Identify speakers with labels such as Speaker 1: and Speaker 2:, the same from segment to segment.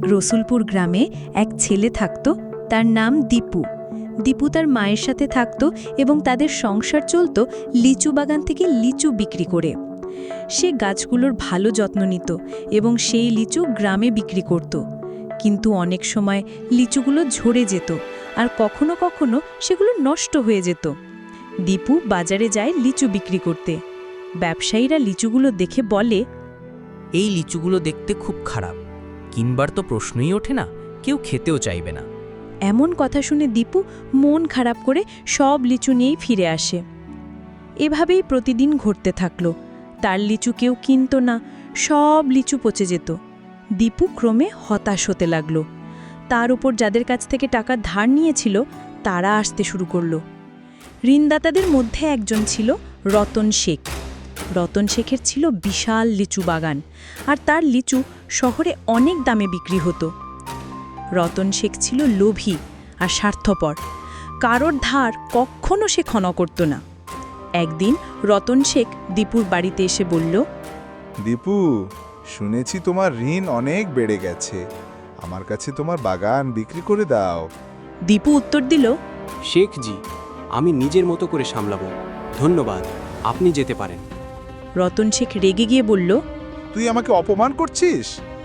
Speaker 1: রসুলপুর গ্রামে এক ছেলে থাকত, তার নাম দীপু। দীপু তার মায়ের সাথে থাকত এবং তাদের সংসার চলত লিচু বাগান থেকে লিচু বিক্রি করে। সে গাছগুলোর ভালো যত্ন নিত এবং সেই লিচু গ্রামে বিক্রি করত। কিন্তু অনেক সময় লিচুগুলো ঝরে যেত আর কখনো কখনো সেগুলো নষ্ট হয়ে যেত। দীপু বাজারে যায় লিচু বিক্রি করতে। ব্যবসায়ীরা লিচুগুলো দেখে বলে,
Speaker 2: এই লিচুগুলো দেখতে খুব খারাপ, কিনবার তো প্রশ্নই ওঠে না, কেউ খেতেও চাইবে না।
Speaker 1: এমন কথা শুনে দীপু মন খারাপ করে সব লিচু নিয়েই ফিরে আসে। এভাবেই প্রতিদিন ঘটতে থাকল। তার লিচু কেউ কিনত না, সব লিচু পচে যেত। দীপু ক্রমে হতাশ হতে লাগল। তার উপর যাদের কাছ থেকে টাকা ধার নিয়েছিল তারা আসতে শুরু করল। ঋণদাতাদের মধ্যে একজন ছিল রতন শেখ। রতন শেখের ছিল বিশাল লিচু বাগান, আর তার লিচু শহরে অনেক দামে বিক্রি হতো। রতন শেখ ছিল লোভী আর স্বার্থপর। কারোর ধার কখনো সে ক্ষমা করত না। একদিন রতন শেখ দীপুর বাড়িতে এসে বলল,
Speaker 3: দীপু, শুনেছি তোমার ঋণ অনেক বেড়ে গেছে, আমার কাছে তোমার বাগান বিক্রি করে দাও।
Speaker 1: দীপু উত্তর দিল,
Speaker 4: শেখজি, আমি নিজের মতো করে সামলাবো, ধন্যবাদ, আপনি যেতে পারেন।
Speaker 1: রতন শেখ রেগে গিয়ে বলল,
Speaker 3: তুই আমাকে অপমান করছিস?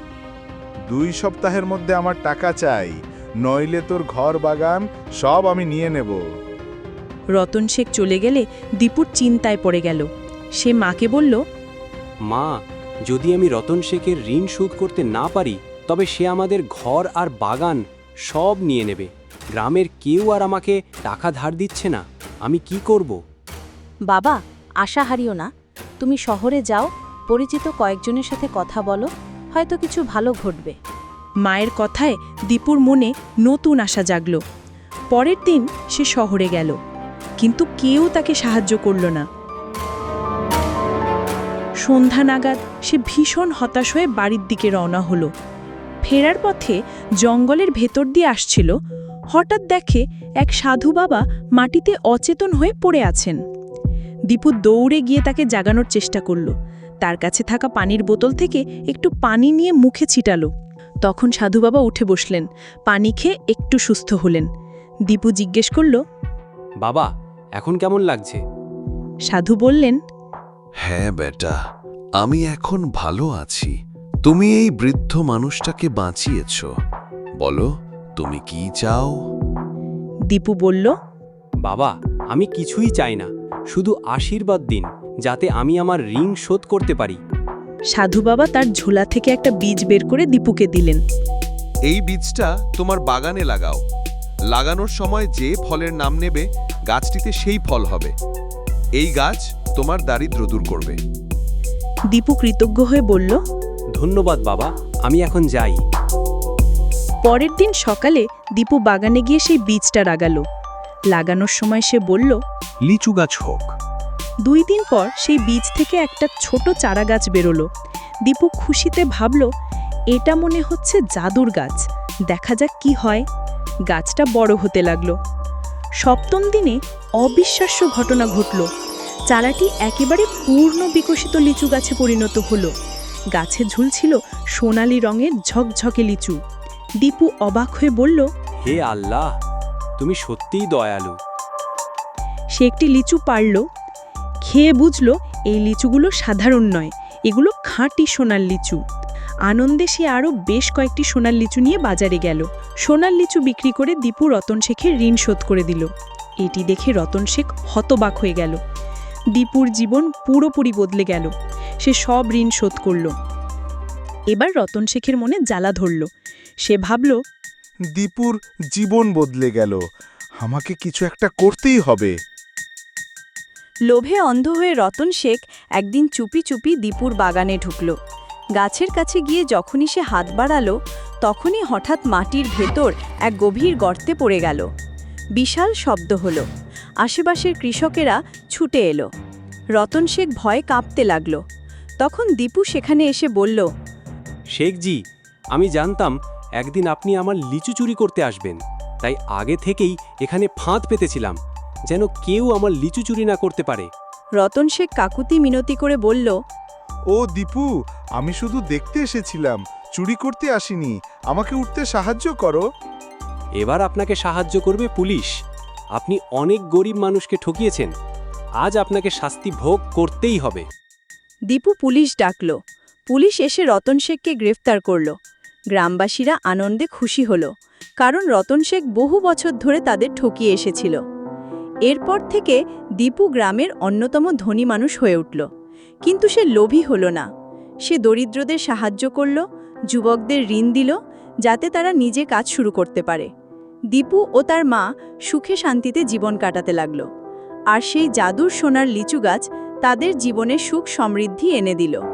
Speaker 3: 2 সপ্তাহের মধ্যে আমার টাকা চাই, নইলে তোর ঘর বাগান সব আমি নিয়ে নেব।
Speaker 1: রতন শেখ চলে গেলে দীপুর চিন্তায় পড়ে গেল। সে মাকে বলল,
Speaker 4: মা, যদি আমি রতন শেখের ঋণ শোধ করতে না পারি তবে সে আমাদের ঘর আর বাগান সব নিয়ে নেবে। গ্রামের কেউ আর আমাকে টাকা ধার দিচ্ছে না, আমি কি করব?
Speaker 5: বাবা, আশা হারিও না, তুমি শহরে যাও, পরিচিত কয়েকজনের সাথে কথা বলো, হয়তো কিছু ভালো ঘটবে।
Speaker 1: মায়ের কথায় দীপুর মনে নতুন আশা জাগল। পরের দিন সে শহরে গেল, কিন্তু কেউ তাকে সাহায্য করল না। সন্ধ্যা নাগাদ সে ভীষণ হতাশ হয়ে বাড়ির দিকে রওনা হলো। ফেরার পথে জঙ্গলের ভেতর দিয়ে আসছিল, হঠাৎ দেখে এক সাধু বাবা মাটিতে অচেতন হয়ে পড়ে আছেন। দীপু দৌড়ে গিয়ে তাকে জাগানোর চেষ্টা করল। তার কাছে থাকা পানির বোতল থেকে একটু পানি নিয়ে মুখে ছিটালো। তখন সাধু বাবা উঠে বসলেন, পানি খেয়ে একটু সুস্থ হলেন। দীপু জিজ্ঞেস করল,
Speaker 4: বাবা, এখন কেমন লাগছে?
Speaker 1: সাধু বললেন,
Speaker 6: হ্যাঁ বেটা, আমি এখন ভালো আছি। তুমি এই বৃদ্ধ মানুষটাকে বাঁচিয়েছ। বলো, তুমি কি চাও?
Speaker 1: দীপু বলল,
Speaker 4: বাবা, আমি কিছুই চাই না, শুধু আশীর্বাদ দিন যাতে আমি আমার ঋণ শোধ করতে পারি।
Speaker 1: সাধু বাবা তার ঝোলা থেকে একটা বীজ বের করে দীপুকে দিলেন।
Speaker 6: এই বীজটা তোমার বাগানে লাগাও। লাগানোর সময় যে ফলের নাম নেবে গাছটিতে সেই ফল হবে। এই গাছ তোমার দারিদ্র দূর করবে।
Speaker 1: দীপু কৃতজ্ঞ হয়ে বলল,
Speaker 4: ধন্যবাদ বাবা, আমি এখন যাই।
Speaker 1: পরের দিন সকালে দীপু বাগানে গিয়ে সেই বীজটা লাগানোর সময় সে বলল,
Speaker 6: লিচু গাছ হোক।
Speaker 1: 2 দিন পর সেই বীজ থেকে একটা ছোট চারা গাছ বেরোলো। দীপু খুশিতে ভাবল, এটা মনে হচ্ছে জাদুর গাছ, দেখা যাক কি হয়। গাছটা বড় হতে লাগলো। 7ম দিনে অবিশ্বাস্য ঘটনা ঘটল। চারাটি একেবারে পূর্ণ বিকশিত লিচু গাছে পরিণত হলো। গাছে ঝুলছিল সোনালি রঙের ঝকঝকে লিচু। দীপু অবাক হয়ে বলল,
Speaker 4: হে আল্লাহ, তুমি সত্যিই দয়ালু।
Speaker 1: সে একটি লিচু পারল, খেয়ে বুঝল এই লিচুগুলো সাধারণ নয়, এগুলো খাঁটি সোনার লিচু। আনন্দে সে আরও বেশ কয়েকটি সোনার লিচু নিয়ে বাজারে গেল। সোনার লিচু বিক্রি করে দীপু রতন শেখের ঋণ শোধ করে দিল। এটি দেখে রতন শেখ হতবাক হয়ে গেল। দীপুর জীবন পুরোপুরি বদলে গেল। সে সব ঋণ শোধ করল। এবার রতন শেখের মনে জ্বালা ধরল। সে ভাবল,
Speaker 3: দীপুর জীবন বদলে গেল, আমাকে কিছু একটা করতেই হবে।
Speaker 5: লোভে অন্ধ হয়ে রতন শেখ একদিন চুপি চুপি দীপুর বাগানে ঢুকল। গাছের কাছে গিয়ে যখনই সে হাত বাড়ালো, তখনই হঠাৎ মাটির ভেতর এক গভীর গর্তে পড়ে গেল। বিশাল শব্দ হলো। আশেপাশের কৃষকেরা ছুটে এলো। রতন শেখ ভয়ে কাঁপতে লাগল। তখন দীপু সেখানে এসে বলল,
Speaker 4: শেখজি, আমি জানতাম একদিন আপনি আমার লিচু চুরি করতে আসবেন, তাই আগে থেকেই এখানে ফাঁদ পেতেছিলাম, যেন কেউ আমার লিচু চুরি না করতে পারে।
Speaker 5: রতন শেখ কাকুতি মিনতি করে বলল,
Speaker 3: ও দীপু, আমি শুধু দেখতে এসেছিলাম, চুরি করতে আসিনি। আমাকে উঠতে সাহায্য করো।
Speaker 4: এবার আপনাকে সাহায্য করবে পুলিশ। আপনি অনেক গরিব মানুষকে ঠকিয়েছেন। আজ আপনাকে শাস্তি ভোগ করতেই হবে।
Speaker 5: দীপু পুলিশ ডাকল। পুলিশ এসে রতন শেখকে গ্রেফতার করল। গ্রামবাসীরা আনন্দে খুশি হল, কারণ রতন শেখ বহু বছর ধরে তাদের ঠকিয়ে এসেছিল। এরপর থেকে দীপু গ্রামের অন্যতম ধনী মানুষ হয়ে উঠল। কিন্তু সে লোভী হল না। সে দরিদ্রদের সাহায্য করল, যুবকদের ঋণ দিল, যাতে তারা নিজে কাজ শুরু করতে পারে। দীপু ও তার মা সুখে শান্তিতে জীবন কাটাতে লাগল। আর সেই জাদুর সোনার লিচু গাছ তাদের জীবনে সুখ সমৃদ্ধি এনে দিল।